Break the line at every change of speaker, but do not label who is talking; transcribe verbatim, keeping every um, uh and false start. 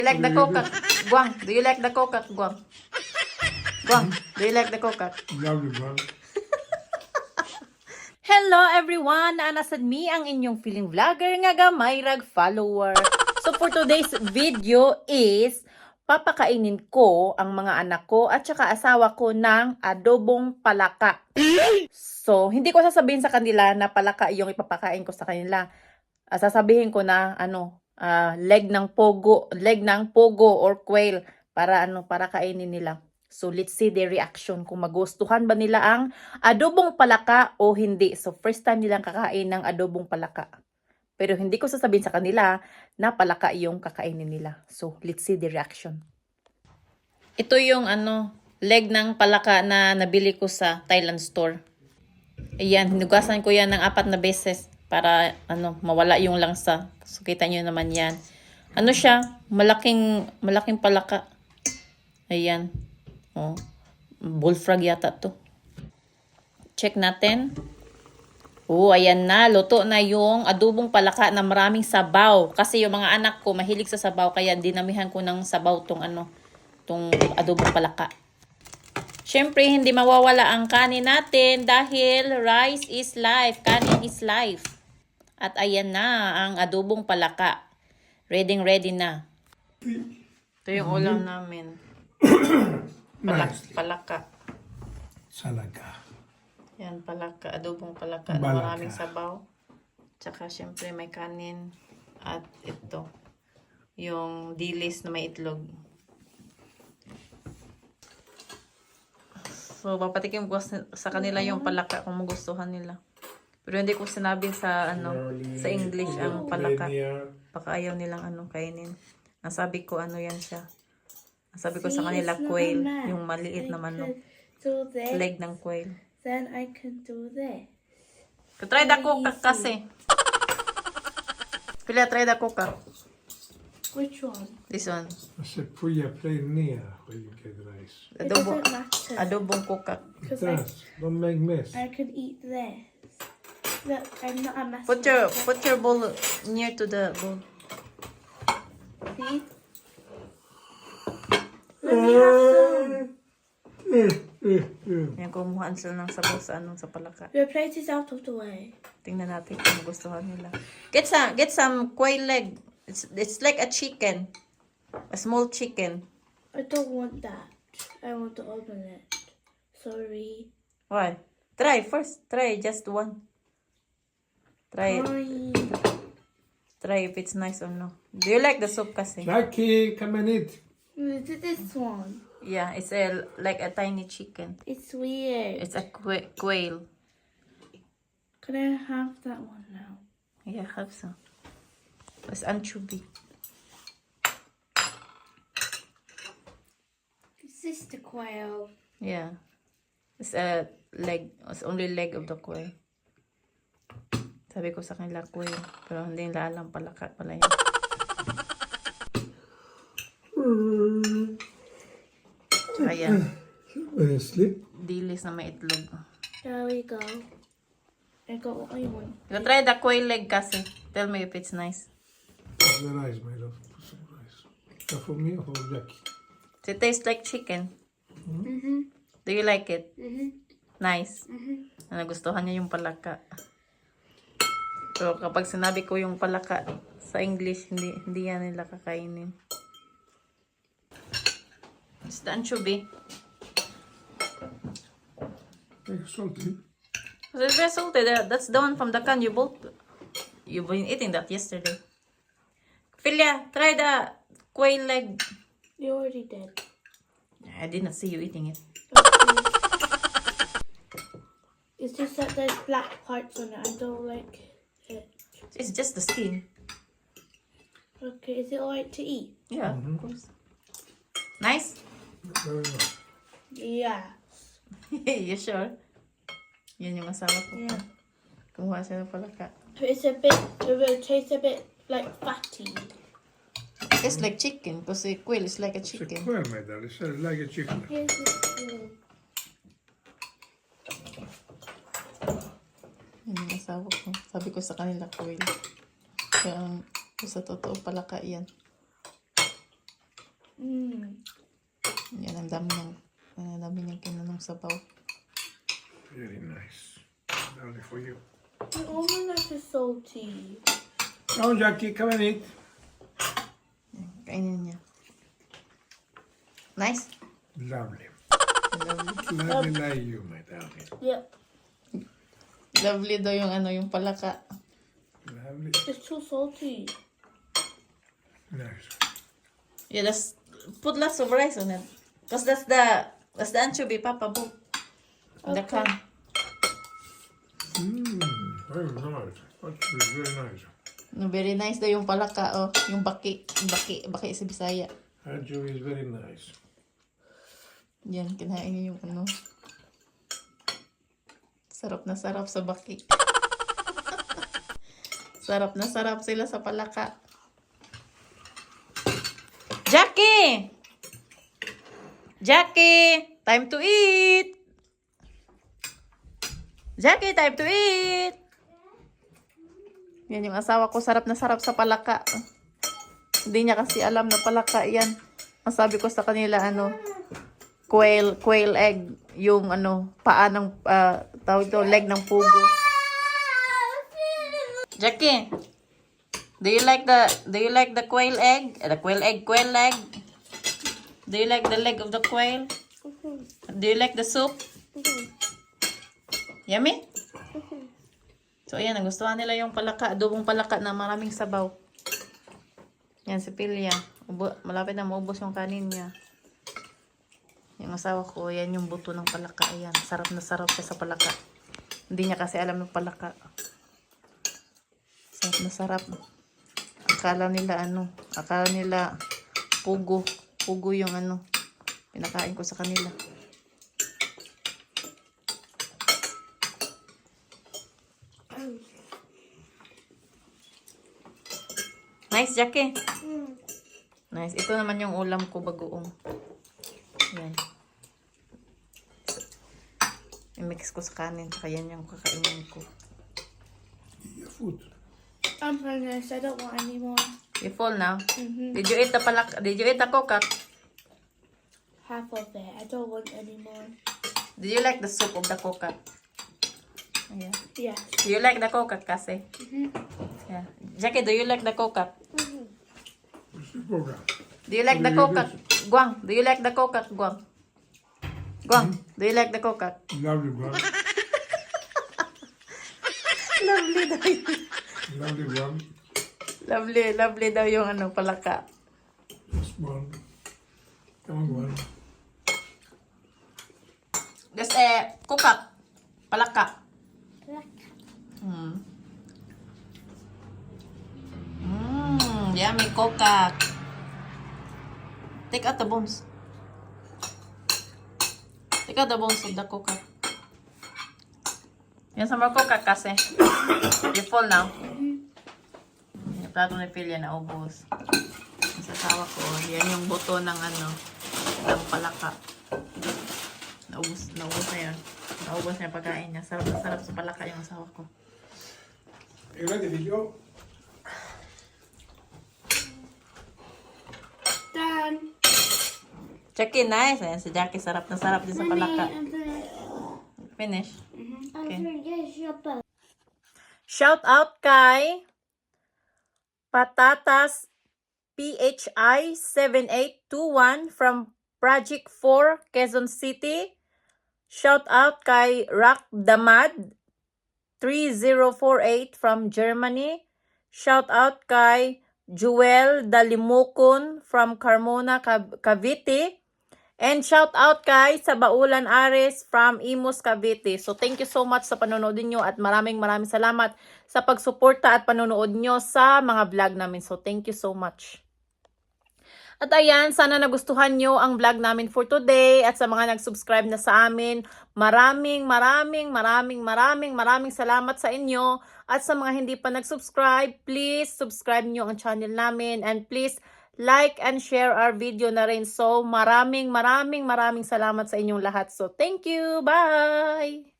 you like the coca? Guang, do you like the coca, Guang? Guang, do you like the coca? Hello everyone! Naanasad mi ang inyong feeling vlogger nga gamay rag follower. So for today's video is papakainin ko ang mga anak ko at saka asawa ko ng adobong palaka. So hindi ko sasabihin sa kanila na palaka yung ipapakain ko sa kanila. Uh, sasabihin ko na ano, uh, leg ng pogo, leg ng pogo or quail para ano, para kainin nila. So let's see their reaction kung magustuhan ba nila ang adobong palaka o hindi. So first time nilang kakain ng adobong palaka. Pero hindi ko sasabihin sa kanila na palaka yung kakainin nila. So let's see the reaction. Ito yung ano, leg ng palaka na nabili ko sa Thailand store. Ayan, hinugasan ko yan ng apat na beses para ano, mawala yung langsa. So kita nyo naman yan. Ano siya? Malaking malaking palaka. Ayan. Oh, bullfrog yata to. Check natin. Oh, ayan na. Luto na yung adobong palaka na maraming sabaw. Kasi yung mga anak ko mahilig sa sabaw. Kaya dinamihan ko ng sabaw tong ano, tong adobong palaka. Siyempre, hindi mawawala ang kanin natin dahil rice is life. Kanin is life. At ayan na ang adobong palaka. Ready ready na. Ito yung ulam namin. Palak, palaka.
Salaga.
Yan, palaka. Adobong palaka na maraming sabaw. Tsaka syempre may kanin. At ito. Yung dilis na may itlog. So, papatikim ko sa kanila yung palaka kung magustuhan nila. Pero hindi ko sinabi sa ano sa English ang palaka. Baka ayaw nilang ano kainin. Nasabi ko ano yan siya. Nasabi ko sa kanila quail, yung maliit na manok. Leg ng quail.
Then I can do this.
Try the coca kasi. Pila try the coca.
Which one?
This one.
I said put your plate near where you get rice.
It
Adobong,
doesn't matter.
adobong coca.
It does. Don't make mess.
I could eat this. Look, I'm not a mess.
Put your put your bowl near to the bowl.
See? Let me have some.
Yan, kumuhaan sila ng sabaw sa ano sa palaka.
Your plate is out of the way.
Tingnan natin kung magustuhan nila. Get some get some quail leg. It's it's like a chicken. A small chicken.
I don't want that. I want the omelette. Sorry.
Why? Try first. Try just one. Try it.
Sorry.
Try if it's nice or no. Do you like the soup kasi?
Jackie, come and eat.
Look at this one.
Yeah, it's a like a tiny chicken.
It's weird.
It's a qua quail.
Can I have that one now?
Yeah, have some. It's anchovy.
Is this the quail?
Yeah. It's a leg. It's only leg of the quail. Sabi ko sa kanila quail. Pero hindi nila alam palaka pala yun. Ayan.
Uh, sleep.
Dilis na may itlog.
There we go. I got what I want.
You try the quail leg kasi. Tell me if it's nice.
What's the rice, my love? Put some rice. Is that for me or for Jackie?
Does it taste like chicken?
Mm-hmm.
Do you like it?
Mm-hmm.
Nice.
Mm-hmm.
Nagustuhan niya yung palaka. Pero kapag sinabi ko yung palaka sa English, hindi hindi yan nila kakainin. It's the anchovy.
Make salty.
It's very salty. That- That's the one from the can you bought. You've been eating that yesterday. Philia, try the quail leg.
You already did.
I did not see you eating it.
It's just that there's black parts on it. I don't like it.
It's just the skin.
Okay, is it alright to eat?
Yeah, of course. Nice?
Very nice.
Yeah.
You sure? Yan yung asawa ko.
Yeah.
Kumuha siya ng palaka.
But it's a bit, it will taste a bit like fatty.
It's like chicken, because the quail is like a
It's a
chicken.
quail, my darling. It's like a chicken.
Here's the spoon.
Yan yung asawa ko. Sabi ko sa kanila quail. Kaya ang sa totoo palaka yan.
Mm.
Yan, ang dami ng, ang dami niyang kinanong sabaw.
Very nice. Lovely for you.
The omelette is salty.
Oh, Jackie, come and eat.
Yan, kainin niya. Nice.
Lovely.
Lovely.
Lovely like you, my darling.
Yep.
Lovely daw yung ano, yung palaka.
Lovely.
It's too salty.
Nice.
Yeah, that's, put lots of rice on it. Because that's the, that's the anchovy, Papa, book. The
Okay.
can.
Mmm, very nice. Actually, very nice.
No, very nice daw yung palaka, oh. Yung baki, baki, baki sa Bisaya.
Anchovy is very nice.
Yan, kinain niya yung ano. Sarap na sarap sa baki. Sarap na sarap sila sa palaka. Jackie! Jackie! Time to eat! Jackie, time to eat! Yan yung asawa ko, sarap na sarap sa palaka. Hindi niya kasi alam na palaka yan. Ang sabi ko sa kanila, ano, quail, quail egg. Yung ano, paa ng, uh, tawag ito, leg ng pugo. Jackie, do you like the, do you like the quail egg? Uh, the quail egg, quail egg? Do you like the leg of the quail? Do you like the soup? Yummy? So, ayan, nagustuhan nila yung palaka, adobong palaka na maraming sabaw. Yan, si Pilya. Ubo, malapit na maubos yung kanin niya. Yung asawa ko, yan yung buto ng palaka. Ayan, sarap na sarap siya sa palaka. Hindi niya kasi alam ng palaka. Sarap na sarap. Akala nila ano, akala nila pugo. Pugo yung ano, pinakain ko sa kanila. Nice, Jackie.
Mm.
Nice. Ito naman yung ulam ko, bagoong. Yan. I-mix ko sa kanin. Saka yan yung kakainin ko.
Eat your food.
I'm finished. I don't want any more.
You full now?
Mm-hmm.
Did you eat the palak? Did you eat the kokak?
Half of it. I don't want any more.
Did you like the soup of the kokak? Yeah.
Yes.
Do you like the kokak kasi?
Mm-hmm.
Yeah. Jackie, do you like the kokak?
Mm-hmm.
Coca.
Do you like the kokak? Guang, do you like the kokak, Guang? Guang, do you like the kokak?
Lovely one.
Lovely daw yun.
Lovely one.
Lovely, lovely daw yung ano, palaka.
This one. Come on, one.
This eh, kokak. Palaka. Hmm. Mmm, yummy kokak. Take out the bones. Take out the bones of the kokak. Yan sa mga kokak kasi. You full now. Yung plato ni Pilya na ubos. Yung sasawa ko, yan yung buto ng ano, ng palaka. Naubos, naubos na yan. Naubos na yung pagkain niya. Sarap na sarap sa palaka yung asawa ko.
You like the video?
Done.
Jackie, nice. Ayan, si Jackie, sarap na sarap din sa palaka.
I'm finished.
Finish.
I'm finished. Shut up.
Shout out kay Patatas P H I seven eight two one from Project four, Quezon City. Shout out kay Rak Damad three zero four eight from Germany. Shout out kay Joel Dalimukon from Carmona, Cav- Cavite. And shout out kay Sabaulan Ares from Imus, Cavite. So thank you so much sa panonood niyo at maraming maraming salamat sa pagsuporta at panonood niyo sa mga vlog namin. So thank you so much. At ayan, sana nagustuhan nyo ang vlog namin for today. At sa mga nag-subscribe na sa amin, maraming, maraming, maraming, maraming, maraming salamat sa inyo. At sa mga hindi pa nag-subscribe, please subscribe nyo ang channel namin. And please like and share our video na rin. So maraming, maraming, maraming salamat sa inyong lahat. So thank you. Bye!